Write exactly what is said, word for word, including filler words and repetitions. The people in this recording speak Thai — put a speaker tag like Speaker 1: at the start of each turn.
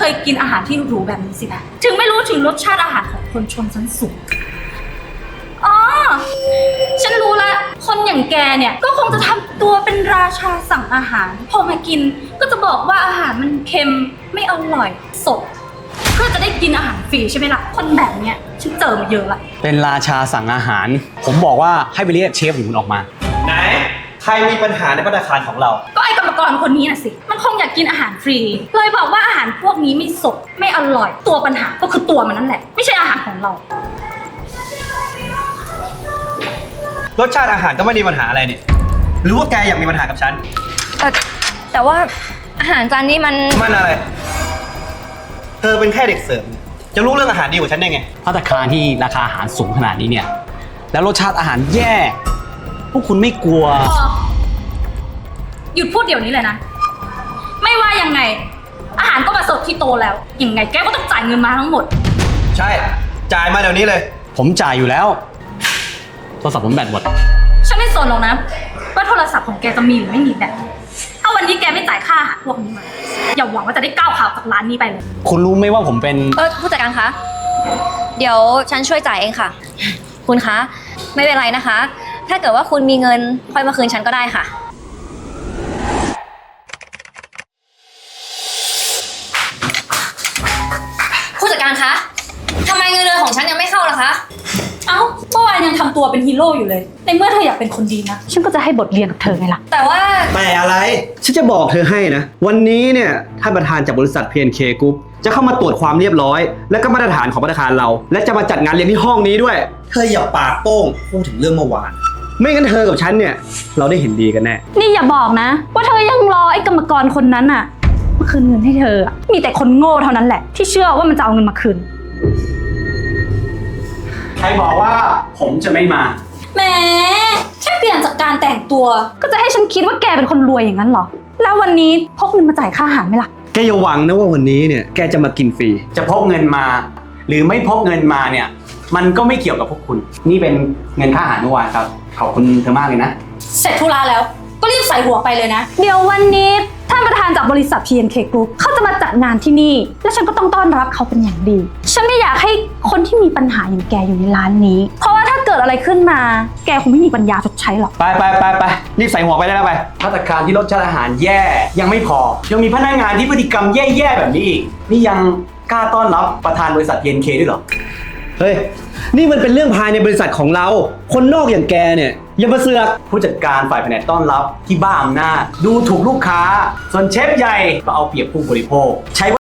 Speaker 1: ยกินอาหารที่หรูแบบนี้สินะถึงไม่รู้ถึงรสชาติอาหารของคนชนชั้นสูงอ๋อฉันรู้ละคนอย่างแกเนี่ยก็คงจะทำตัวเป็นราชาสั่งอาหารพอมากินก็จะบอกว่าอาหารมันเค็มไม่อร่อยสดเพื่อจะได้กินอาหารฟรีใช่ไหมล่ะคนแบบเนี้ยฉันเจอมาเยอะละ
Speaker 2: เป็นราชาสั่งอาหาร ผมบอกว่าให้ไปเรียกเชฟของคุณออกมา
Speaker 3: ไหนใครมีปัญหาในภัตตาคารของเรา
Speaker 1: ก็ไอ้กรรมกรคนนี้น่ะสิมันคงอยากกินอาหารฟรีเลยบอกว่าอาหารพวกนี้ไม่สดไม่อร่อยตัวปัญหาก็คือตัวมันนั่นแหละไม่ใช่อาหารของเรา
Speaker 3: รสชาติอาหารก็ไม่มีปัญหาอะไรเนี่ยหรือว่าแกอยากมีปัญหากับฉัน
Speaker 4: แต่แต่ว่าอาหารจานนี้มัน
Speaker 3: มันอะไรเธอเป็นแค่เด็กเสิร์ฟจะรู้เรื่องอาหารดีกว่าฉันได้ไง
Speaker 2: ภัตตาคารที่ราคาอาหารสูงขนาดนี้เนี่ยแล้วรสชาติอาหารแย่พวกคุณไม่กลัว
Speaker 1: หยุดพูดเดี๋ยวนี้เลยนะไม่ว่ายังไงอาหารก็มาเสิร์ฟที่โตแล้วยังไงแกก็ต้องจ่ายเงินมาทั้งหมด
Speaker 3: ใช่จ่ายมาเดี๋ยวนี้เลย
Speaker 2: ผมจ่ายอยู่แล้วโทรศัพท์ผมแบตหมด
Speaker 1: ฉันไม่สนหรอกนะว่าโทรศัพท์ของแกจะมีหรือไม่มีแบตถ้าวันนี้แกไม่จ่ายค่าอาหารพวกนี้มาอย่าหวังว่าจะได้ก้าวขาจากร้านนี้ไปเลย
Speaker 2: คุณรู้ไหมว่าผมเป็น
Speaker 4: เออผู้จัดการคะเดี๋ยวฉันช่วยจ่ายเองค่ะคุณคะไม่เป็นไรนะคะถ้าเกิดว่าคุณมีเงินค่อยมาคืนฉันก็ได้ค่ะผู้จัดการคะทำไมเงินเดือนของฉันยังไม่เข้าล่ะคะ
Speaker 1: เอ้าเมื่อวานยังทำตัวเป็นฮีโร่อยู่เลยในเมื่อเธออยากเป็นคนดีนะฉันก็จะให้บทเรียนกับเธอไงล่ะ
Speaker 4: แต่ว่า
Speaker 3: แต่อะไรฉันจะบอกเธอให้นะวันนี้เนี่ยท่านประธานจากบริษัท พี เอ็น เค Group จะเข้ามาตรวจความเรียบร้อยและก็มาตรฐานของภัตตาคารเราและจะมาจัดงานเลี้ยงที่ห้องนี้ด้วยเธออย่าปากโป้งพูดถึงเรื่องเมื่อวานไม่งั้นเธอกับฉันเนี่ยเราได้เห็นดีกันแน่
Speaker 1: นี่อย่าบอกนะว่าเธอยังรอไอ้กรรมกรคนนั้นน่ะมาคืนเงินให้เธอมีแต่คนโง่เท่านั้นแหละที่เชื่อว่ามันจะเอาเงินมาคืน
Speaker 2: ใครบอกว่าผมจะไม่มา
Speaker 1: แหมแค่เปลี่ยนจากการแต่งตัวก็จะให้ฉันคิดว่าแกเป็นคนรวยอย่างนั้นเหรอแล้ววันนี้พกเงินมาจ่ายค่าอาหารไหมล่ะ
Speaker 3: แกอย่าหวังนะว่าวันนี้เนี่ยแกจะมากินฟรี
Speaker 2: จะพกเงินมาหรือไม่พกเงินมาเนี่ยมันก็ไม่เกี่ยวกับพวกคุณนี่เป็นเงินค่าอาหารเมื่อวานครับขอบคุณเธอมากเลยนะ
Speaker 1: เสร็จธุระแล้วก็รีบใส่หัวไปเลยนะเดี๋ยววันนี้ท่านประธานจากบริษัท พี เอ็น เค Group เขาจะมาจัดงานที่นี่และฉันก็ต้องต้อนรับเขาเป็นอย่างดีฉันไม่อยากให้คนที่มีปัญหาอย่างแกอยู่ในร้านนี้เพราะว่าถ้าเกิดอะไรขึ้นมาแกคงไม่มีปัญญาชดใช้หรอก
Speaker 3: ไปไปไปไปรีบใส่หัวไปได้แล้วไป
Speaker 2: ภัตตาคารที่รสชาติอาหารแย่ยังไม่พอยังมีพนักงานที่พฤติกรรมแย่ๆแบบนี้อีกนี่ยังกล้าต้อนรับประธานบริษัท พี เอ็น เค ด้วยเหรอ
Speaker 3: เฮ้ยนี่มันเป็นเรื่องภายในบริษัทของเราคนนอกอย่างแกเนี่ยอย่ามาเสือก
Speaker 2: ผู้จัดการฝ่ายแผนกต้อนรับที่บ้าอำนาจดูถูกลูกค้าส่วนเชฟใหญ่ก็เอาเปรียบผู้บริโภคใช้